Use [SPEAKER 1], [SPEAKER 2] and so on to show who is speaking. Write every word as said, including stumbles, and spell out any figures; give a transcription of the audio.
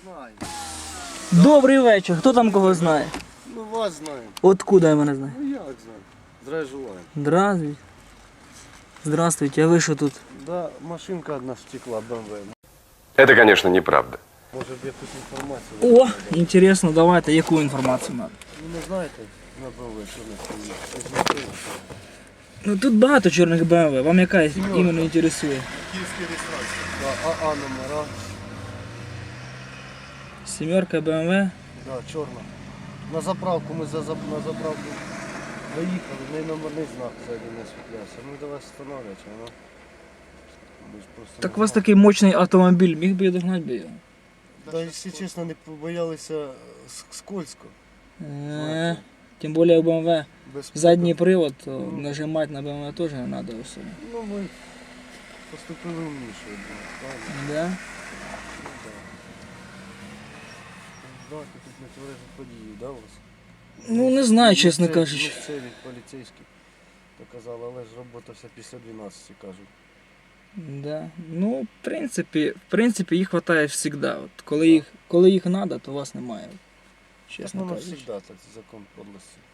[SPEAKER 1] Знаю.
[SPEAKER 2] Добрий вечір. Хто там кого знає?
[SPEAKER 1] Ну вас знаємо.
[SPEAKER 2] Откуда я мене знаю?
[SPEAKER 1] Ну як знаю. Здравия желаю.
[SPEAKER 2] Здравствуйте. Здравствуйте, а ви що тут?
[SPEAKER 1] Да, машинка одна стекла, бэ эм вэ.
[SPEAKER 3] Это, конечно, неправда.
[SPEAKER 1] Може б якусь інформацію.
[SPEAKER 2] О, інтересно, давайте, яку інформацію надо?
[SPEAKER 1] Ну не знаєте на бэ эм вэ, що на стоїть?
[SPEAKER 2] Ну тут багато чорних бэ эм вэ, вам яка іменно інтересує?
[SPEAKER 1] Київський реєстрація. Да, АА номера.
[SPEAKER 2] Сімерка бэ эм вэ.
[SPEAKER 1] Да, чорна. На заправку ми за, за, на заправку заїхали, в неї номерний знак ззаді не освітлявся. Ну давай встановлювати, воно. Ми ж просто
[SPEAKER 2] Так
[SPEAKER 1] не
[SPEAKER 2] у вас
[SPEAKER 1] знали.
[SPEAKER 2] такий мощний автомобіль, міг би я догнати би його?
[SPEAKER 1] Да, якщо чесно, не побоялися с- скользко.
[SPEAKER 2] Е, Тим більше у бэ эм вэ
[SPEAKER 1] Без
[SPEAKER 2] задній привод, то нажимати на бэ эм вэ теж не треба особо.
[SPEAKER 1] Ну ми поступили умніше, я думаю, правильно?
[SPEAKER 2] Да?
[SPEAKER 1] Ну, да. Да, ти тут не тверезу подію, да, у вас?
[SPEAKER 2] Ну не знаю, чесно
[SPEAKER 1] Місцеві-
[SPEAKER 2] кажучи.
[SPEAKER 1] Місцеві поліцейські показали, але ж робота вся після дванадцяти, кажуть.
[SPEAKER 2] Да. Ну, в принципі, в принципі, їх вистачає завжди. От, коли їх, коли їх треба, то вас немає.
[SPEAKER 1] Так
[SPEAKER 2] Чесно
[SPEAKER 1] воно
[SPEAKER 2] кажучи.
[SPEAKER 1] завжди так, закон подлості.